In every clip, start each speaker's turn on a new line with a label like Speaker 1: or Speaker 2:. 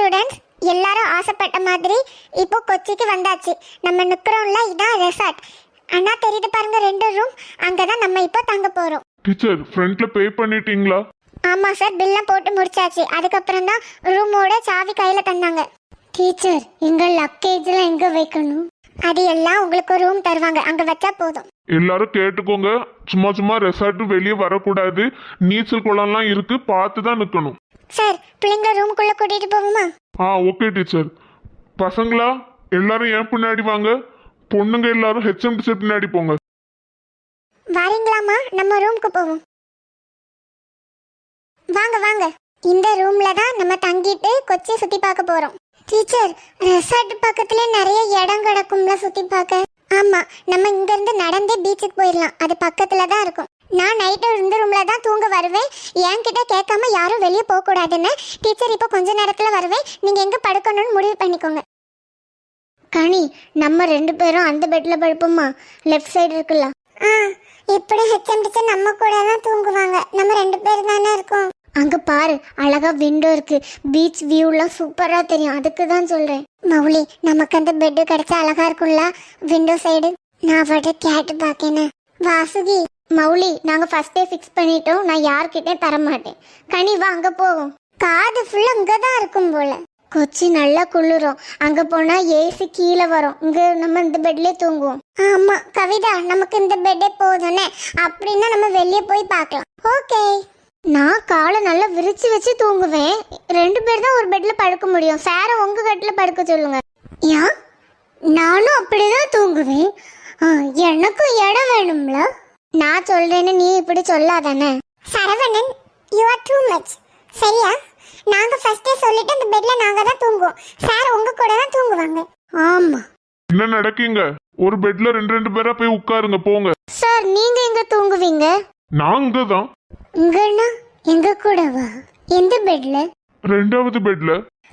Speaker 1: Students, எல்லாரும் ஆசைப்பட்ட மாதிரி இப்போ கொச்சிக்கு வந்தாச்சு. நம்ம நிக்கிறோம்ல, இதான் ரெசார்ட். அண்ணா தெரியுது பாருங்க, 2 ரூம். அங்கதான் நம்ம இப்போ தங்க போறோம்.
Speaker 2: டீச்சர், ஃப்ரண்ட்ல பே பண்ணிட்டீங்களா?
Speaker 1: ஆமா சார், பில்லாம் போட்டு முடிச்சாச்சு. அதுக்கப்புறம் தான் ரூமோட சாவி கையில தந்தாங்க. டீச்சர், எங்க லக்கேஜ்லாம் எங்க வைக்கணும்? அது எல்லாம் உங்களுக்கு ரூம் தருவாங்க, அங்க வச்சா போதும்.
Speaker 2: எல்லாரும் கேட்டுக்கோங்க, சும்மா சும்மா ரெசார்ட் வெளியே வரக்கூடாது. நீச்சல் குளம்லாம் இருக்கு, பார்த்து தான் நிக்கணும்.
Speaker 1: சார், பிள்ளைங்க ரூமுக்குள்ள கூட்டிட்டு போவோமா?
Speaker 2: Okay teacher. பசங்களா எல்லாரும் ஏன் பின்னாடி வாங்க, பொண்ணுங்க எல்லாரும் ஹெச்எம் டீச்சர் பின்னாடி போங்க.
Speaker 1: வரீங்களாமா? நம்ம ரூமுக்கு போவோம். வாங்க வாங்க. இந்த ரூம்ல தான் நம்ம தங்கிட்டு கொச்சி சுத்தி பார்க்க போறோம். டீச்சர், ரெசார்ட் பக்கத்துல நிறைய இடம் கிடக்கும்ல சுத்தி பார்க்க. ஆமா, நம்ம இங்க இருந்து நடந்தே பீச்சுக்கு போயிடலாம். அது பக்கத்துல தான் இருக்கும். நான் நைட்டு இந்த ரூம்ல தான் தூங்க வருவேன். என்கிட்ட கேட்காம யாரும் வெளியே போக கூடாதுன்னு. டீச்சர், இப்போ கொஞ்ச நேரத்துல வருவேன். நீங்க எங்க படுக்கணும்னு முடிவு பண்ணிக்கோங்க. கனி, நம்ம 2 பேரும் அந்த பெட்ல படுப்போமா? லெஃப்ட் சைடு இருக்குல்ல. இப்படி ஹெச்எம் டீச்சர் நம்ம கூட தான் தூங்குவாங்க. நம்ம 2 பேர் தானே இருக்கோம். அங்க பாரு, அழகா விண்டோ இருக்கு. பீச் வியூலாம் சூப்பரா தெரியும். அதுக்கு தான் சொல்றேன். மௌலி, நமக்கு அந்த பெட் கிடைச்சா அழகா இருக்கும்ல, விண்டோ சைடு. நான் அவட்ட கேட்டு பாக்கேனே. வாசுகி, மௌலி, நாங்க ஃபர்ஸ்டே ஃபிக்ஸ் பண்ணிட்டோம். நான் யார்கிட்டே தர மாட்டேன். கனி வா, அங்க போவோம். காது ஃபுல்லா இங்கதான் இருக்கும் போல. கொச்சி நல்லா குளிரும். அங்க போனா ஏசி கீழே வரும். இங்க நம்ம இந்த பெட்லயே தூங்குவோம். ஆமா கவிதா, நமக்கு இந்த பெட்டே போதும்னே. அப்படின்னா நம்ம வெளியே போய் பார்க்கலாம். ஓகே. நான் காலை நல்லா விரிச்சு வச்சு தூங்குவேன். 2 பேர் தான் ஒரு பெட்ல படுக்க முடியும். சார உங்க கட்டில படுக்க சொல்லுங்க. ஏன்? நானும் அப்படிதான் தூங்குவேன். எனக்கும் இடம் வேணும்ல. நான் சொல்றேன்னு நீ இப்படி சொல்லாதானே. Saravanan, you are too much. சரியா? நாங்க ஃபர்ஸ்டே சொல்லிட்டு அந்த பெட்ல நாங்க தான் தூங்குவோம். சார் உங்க கூட தான் தூங்குவாங்க. ஆமா.
Speaker 2: என்ன நடக்கீங்க? ஒரு பெட்ல 2 பேரா போய் உட்காருங்க, போங்க.
Speaker 1: சார், நீங்க எங்க தூங்குவீங்க?
Speaker 2: நாங்க தான்.
Speaker 1: இங்கனா எங்க கூடவா? எந்த பெட்ல?
Speaker 2: 2வது பெட்ல.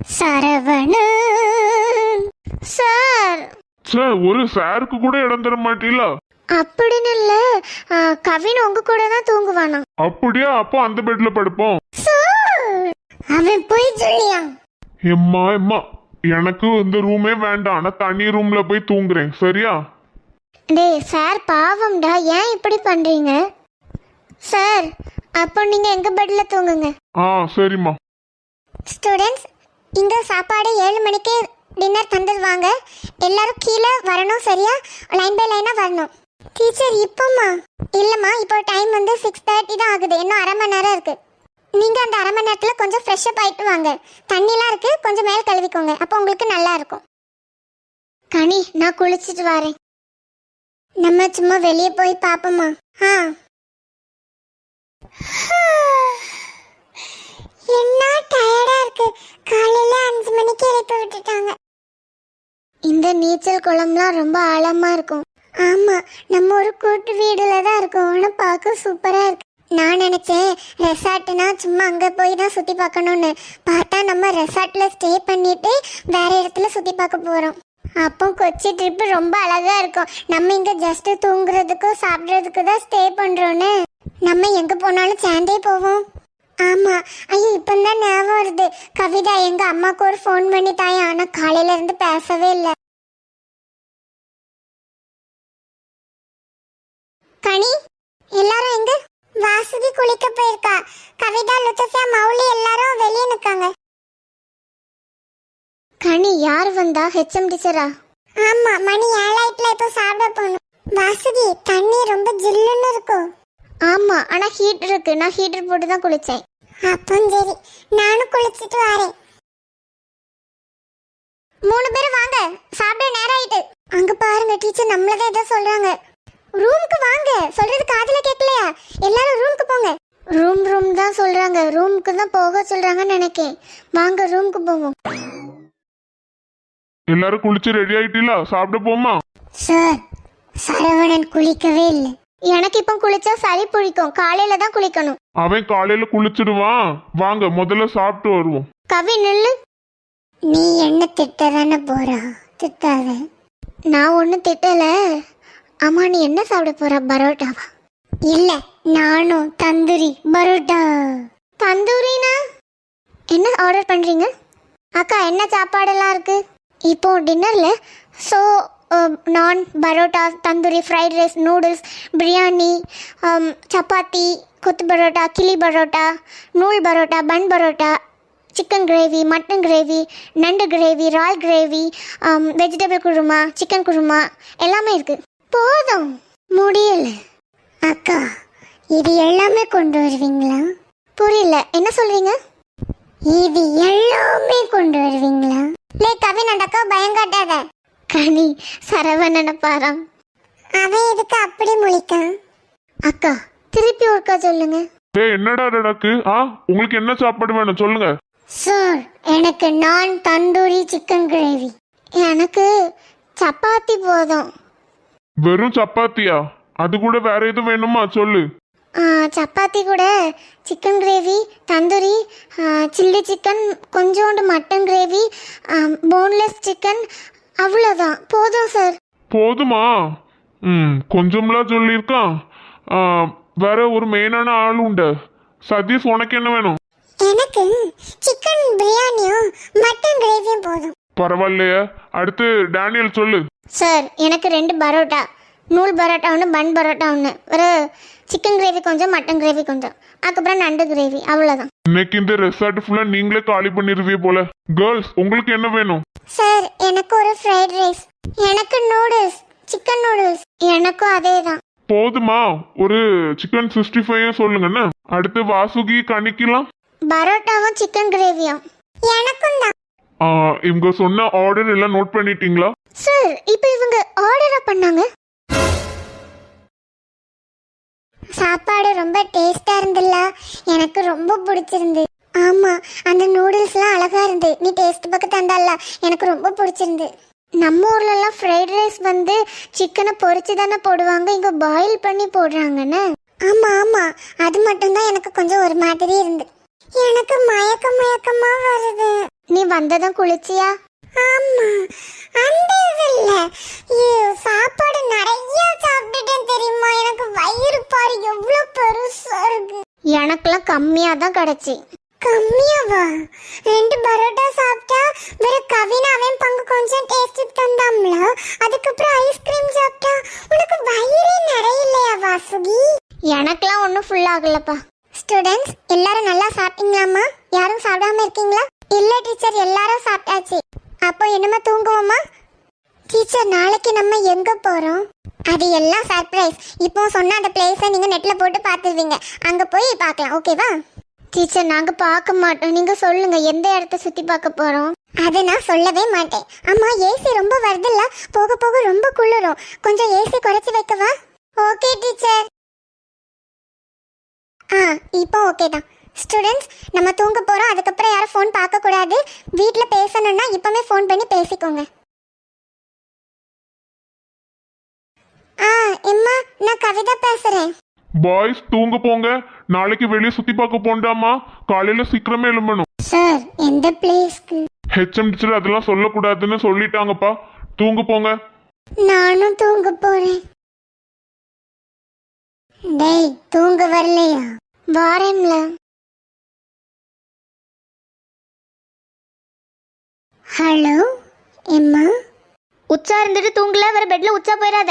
Speaker 1: சரவணன் சார்.
Speaker 2: சார், ஒரு சாருக்கு கூட இடம் தர மாட்டீங்களா?
Speaker 1: அப்படின்னு இல்ல, கவின் உங்க கூட தான் தூங்குவானா.
Speaker 2: அப்படியா? அப்போ அந்த பெட்ல படுப்போம்.
Speaker 1: அவன் போய் சொல்லியா?
Speaker 2: எம்மா எம்மா, எனக்கு இந்த ரூமே வேண்டாம். நான் தனி ரூம்ல போய் தூங்குறேன். சரியா?
Speaker 1: டேய் சார், பாவம்டா, ஏன் இப்படி பண்றீங்க? சார், அப்போ நீங்க எங்க பெட்ல தூங்குங்க.
Speaker 2: சரிம்மா.
Speaker 1: ஸ்டூடெண்ட்ஸ், இங்க சாப்பாடு 7 மணிக்கு டின்னர் தந்துடுவாங்க. எல்லாரும் கீழே வரணும். சரியா? லைன் பை லைனா வரணும். டீச்சர், இப்போமா? இல்லம்மா, இப்போ டைம் வந்து 6:30 தான் ஆகுது. இன்னும் அரை மணி நேரம் இருக்கு. நீங்க அந்த அரை மணி நேரத்துல கொஞ்சம் ஃப்ரெஷ் அப் ஆயிட்டு வாங்க. தண்ணிலாம் இருக்கு, கொஞ்சம் மேல் கழுவிக்கோங்க. அப்போ உங்களுக்கு நல்லா இருக்கும். கனி, நான் குளிச்சிட்டு வரேன். நம்ம சும்மா வெளியே போய் பாப்போமா? என்ன டயர்டா இருக்கு. காலையில 5 மணிக்கு எழுப்பி விட்டுட்டாங்க. இந்த நீச்சல் குளம்லாம் ரொம்ப ஆழமா இருக்கும். ஆமா, நம்ம ஒரு கூட்டு வீடுல தான் இருக்கோம். ஆனா பார்க்க சூப்பரா இருக்கு. நான் நினைச்சேன் ரெசார்ட்னா சும்மா அங்க போய் தான் சுத்தி பார்க்கணும்னு. பார்த்தா நம்ம ரெசார்ட்ல ஸ்டே பண்ணிட்டு வேற இடத்துல சுத்தி பார்க்க போறோம். அப்போ கொச்சி ட்ரிப் ரொம்ப அழகா இருக்கும். நம்ம இங்க ஜஸ்ட் தூங்குறதுக்கும் சாப்பிட்றதுக்கு தான் ஸ்டே பண்றோன்னு. நம்ம எங்க போனாலும் சேர்ந்தே போவோம். ஆமா. ஐயோ, இப்பதான் ஞாபகம் வருது. கவிதா, எங்க அம்மாக்கு ஒரு ஃபோன் பண்ணி தாயா. ஆனா காலையில இருந்து பேசவே இல்லை. கனி, எல்லாரும் எங்க? வாசுகி குளிக்க போயிருக்கா. கவிதா, லுத்தஃபியா, மௌலி எல்லாரும் வெளியே நிக்காங்க. கனி, யார் வந்தா? ஹெச்எம் டீச்சரா? ஆமா, மணி 7 இப்போ சாப்பிட போகணும். வாசுகி, தண்ணி ரொம்ப ஜில்லுன்னு இருக்கும். ஆமா, ஆனா ஹீட் இருக்கு. நான் ஹீட்டர் போட்டு தான் குளிச்சேன். அப்போ சரி, நானும் குளிச்சிட்டு வரேன். 3 பேரும் வாங்க, சாப்பிட நேரம் ஆயிட்டு. அங்க பாருங்க டீச்சர், நம்மளதான் ஏதோ சொல்றாங்க. ரூமுக்கு வாங்க. சொல்றது காதுல கேட்கலையா? எல்லாரும் ரூமுக்கு போங்க. ரூம் தான் சொல்றாங்க. ரூமுக்கு தான் போக சொல்றாங்கன்னு நினைக்கேன். வாங்க, ரூமுக்கு போவோம்.
Speaker 2: எல்லாரும் குளிச்சு ரெடி ஆயிட்டீங்களா? சாப்பிட போமா?
Speaker 1: சார், சரவணன் குளிக்கவே இல்லை. எனக்கு இப்போ குளிச்சா சளி பிடிக்கும். காலையில தான் குளிக்கணும்.
Speaker 2: அவன் காலையில குளிச்சிடுவான். வாங்க, முதல்ல சாப்பிட்டு வருவோம்.
Speaker 1: கவி, நில்லு. நீ என்ன திட்டதானே போறா? திட்டாத. நான் ஒன்னும் திட்டல. அம்மா, நீ என்ன சாப்பிட போற? பரோட்டாவா? இல்ல, நானும் தந்தூரி பரோட்டா. தந்தூரினா என்ன ஆர்டர் பண்றீங்க? அக்கா என்ன சாப்பாடெல்லாம் இருக்கு இப்போ டின்னர்ல? ஸோ நான் parotta, tandoori, fried rice, noodles, biryani, chapati, kothu parotta, kili parotta, nool parotta, bun parotta, chicken gravy, mutton gravy, நண்டு கிரேவி, ரால் gravy, vegetable kurma, chicken kurma எல்லாமே இருக்கு. போதும், முடியல. அக்கா இது எல்லாமே கொண்டு வருவீங்களா? புரியல, என்ன சொல்றீங்க? இது எல்லாமே கொண்டு வருவீங்களா? லே கவின், அந்த அக்கா பயங்காட்டாத. கனி சரவணன பாரம். அவன் எதுக்கு அப்படி முழிக்கான்? அக்கா திருப்பி ஒருக்கா சொல்லுங்க.
Speaker 2: என்னடா நடக்கு? உங்களுக்கு என்ன சாப்பாடு வேணும் சொல்லுங்க.
Speaker 1: சார் எனக்கு நான் தந்தூரி சிக்கன் கிரேவி. எனக்கு சப்பாத்தி போதும்.
Speaker 2: வெறும் சப்பாத்தியா? அது கூட வேற எதுவும் வேணுமா சொல்லு.
Speaker 1: சப்பாத்தி கூட chicken gravy, tandoori, chilli chicken, கொஞ்சோண்டு மட்டன் கிரேவி, போன்லெஸ் சிக்கன், அவ்வளோதான். போதும் சார்.
Speaker 2: போதுமா? கொஞ்சம்லாம் சொல்லியிருக்கான். வேற ஒரு மெயினான ஆள் உண்டு. சதீஷ், உனக்கு என்ன வேணும்?
Speaker 1: எனக்கு சிக்கன் பிரியாணியும் மட்டன் கிரேவியும் போதும்.
Speaker 2: பரவாயில்லையே. அடுத்து டேனியல் சொல்லு.
Speaker 1: சார் எனக்கு 2 பரோட்டா, நூல் பரோட்டா ஒன்று, பன் பரோட்டா ஒன்று, ஒரு சிக்கன் கிரேவி கொஞ்சம், மட்டன் கிரேவி கொஞ்சம், அதுக்கப்புறம் நண்டு கிரேவி, அவ்வளோதான்.
Speaker 2: இன்னைக்கு இந்த ரெசார்ட் ஃபுல்லா நீங்களே காலி பண்ணிருவீங்க போல. கேர்ள்ஸ், உங்களுக்கு என்ன வேணும்?
Speaker 1: சார் எனக்கு ஒரு ஃப்ரைட் ரைஸ், எனக்கு நூடுல்ஸ், சிக்கன் நூடுல்ஸ், எனக்கும் அதே தான்.
Speaker 2: போதுமா? ஒரு சிக்கன் 65 சொல்லுங்கண்ணா. அடுத்து வாசுகி, கணிக்கலாம்.
Speaker 1: பரோட்டாவும் சிக்கன் கிரேவியும் எனக்கும் தான்.
Speaker 2: இவங்க சொன்ன ஆர்டர் எல்லாம் நோட் பண்ணிட்டீங்களா?
Speaker 1: சார் இப்போ இவங்க ஆர்டரா பண்ணாங்க. சாப்பாடு ரொம்ப டேஸ்டா இருந்துல்ல, எனக்கு ரொம்ப பிடிச்சிருந்து. ஆமா, அந்த நூடுல்ஸ்லாம் அழகா இருந்து. நீ டேஸ்ட் பக்கம் தந்தால, எனக்கு ரொம்ப பிடிச்சிருந்து. நம்ம ஊர்லலாம் ஃப்ரைட் ரைஸ் வந்து சிக்கனை பொரிச்சு தானே போடுவாங்க, இங்க பாயில் பண்ணி போடுறாங்கன்னு. ஆமா ஆமா, அது மட்டும்தான் எனக்கு கொஞ்சம் ஒரு மாதிரி இருந்து. எனக்கு மயக்கமா வருது. நீ வந்ததும் குளிச்சியா? ஆமா, அந்த இல்ல, சாப்பாடு நிறைய சாப்பிட்டுட்டேன் தெரியுமா. எனக்கு வயிறு பாரு எவ்வளவு பெருசா இருக்கு. எனக்குலாம் கம்மியா தான் கிடைச்சி. கம்மியாவா? 2 பரோட்டா சாப்பிட்டா வேற கவின் அவன் பங்கு கொஞ்சம் டேஸ்ட் தந்தாம்ல, அதுக்கப்புறம் ஐஸ்கிரீம் சாப்பிட்டா உனக்கு வயிறே நிறையலையா வாசுகி? எனக்குலாம் ஒன்றும் ஃபுல் ஆகலப்பா. ஸ்டூடெண்ட்ஸ் எல்லாரும் நல்லா சாப்பிட்டீங்களாமா? யாரும் சாப்பிடாம இருக்கீங்களா? இல்ல டீச்சர், எல்லாரும் சாப்பிட்டாச்சு. அப்போ என்னமா தூங்குவோமா? டீச்சர் நாளைக்கு நம்ம எங்க போறோம்? அது எல்லாம் சர்ப்ரைஸ். இப்போ சொன்ன அந்த பிளேஸை நீங்க நெட்ல போட்டு பார்த்துருவீங்க, அங்க போய் பார்க்கலாம். ஓகேவா? டீச்சர் நாங்க பார்க்க மாட்டோம், நீங்க சொல்லுங்க எந்த இடத்த சுத்தி பார்க்க போறோம். அதை நான் சொல்லவே மாட்டேன். அம்மா ஏசி ரொம்ப வருதுல்ல, போக போக ரொம்ப குளிரும், கொஞ்சம் ஏசி குறைச்சி வைக்கவா? Okay teacher. இப்போ ஓகே தான். ஸ்டூடெண்ட்ஸ் நம்ம தூங்க போறோம், அதுக்கப்புறம் யாரும் ஃபோன் பார்க்க கூடாது. வீட்டில் பேசணும்னா இப்பவே ஃபோன் பண்ணி பேசிக்கோங்க. எம்மா, நான் கவிதா பேசுறேன்.
Speaker 2: பாய்ஸ் தூங்க போங்க. நாளைக்கு வெளியே சுத்தி பார்க்க போண்டாமா, காலையில சீக்கிரமே எழும்பணும்.
Speaker 1: சார் எந்த பிளேஸ்க்கு?
Speaker 2: ஹெச்எம் டீச்சர் அதெல்லாம் சொல்லக்கூடாதுன்னு சொல்லிட்டாங்கப்பா. தூங்க போங்க.
Speaker 1: நானும் தூங்க போறேன். டேய் தூங்க வரலையா? வாரேன்ல. ஹலோ எம்மா. உச்சா இருந்துட்டு தூங்கல, வேற பெட்ல உச்சா போயிடாத.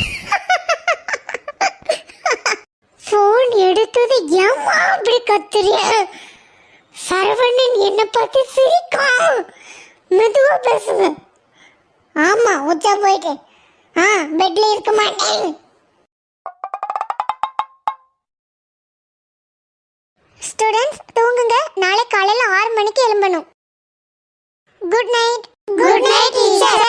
Speaker 1: போன் எடுத்தது ஏம்மா அப்படி கத்துறிய? சரவணன் என்ன பார்த்து சிரிக்கும். மெதுவா பேசுங்க. ஆமா உச்சா போயிட்டேன். பெட்ல இருக்க மாட்டேன். ஸ்டூடெண்ட்ஸ் தூங்குங்க, நாளை காலையில 6 மணிக்கு எழும்பணும். Good night. Good night teacher.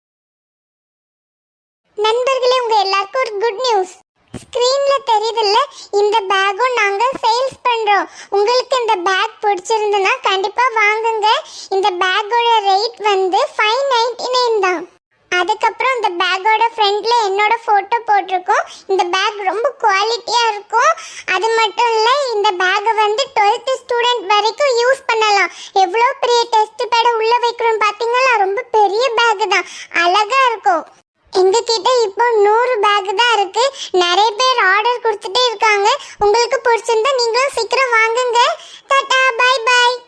Speaker 1: நண்பர்களே, உங்க எல்லாருக்கும் ஒரு குட் நியூஸ். ஸ்கிரீன்ல தெரியுதுல்ல, இந்த பேக்கும் நாங்க சேல்ஸ் பண்றோம். உங்களுக்கு இந்த பேக் பிடிச்சிருந்தனா கண்டிப்பா வாங்குங்க. இந்த பேக்கோட ரேட் வந்து 599 தான். அதுக்கப்புறம் இந்த பேக்கோட ஃப்ரண்ட்ல என்னோட போட்டோ போட்டிருக்கோம். இந்த பேக் ரொம்ப குவாலிட்டியா இருக்கும். அது மட்டும் இல்ல, இந்த பேக்கை வந்து 12th ஸ்டூடெண்ட் வரைக்கும் யூஸ் பண்ணலாம். எவ்வளோ பெரிய டெஸ்ட் பேட உள்ள வைக்கிறோம் பாத்தீங்களா? ரொம்ப பெரிய பேக் தான், அழகா இருக்கும். எங்க கிட்ட இப்போ 100 பேக் தான் இருக்கு. நிறைய பேர் ஆர்டர் கொடுத்துட்டே இருக்காங்க. உங்களுக்கு பிடிச்சிருந்தா நீங்களும் சீக்கிரம் வாங்குங்க. Tata, bye by.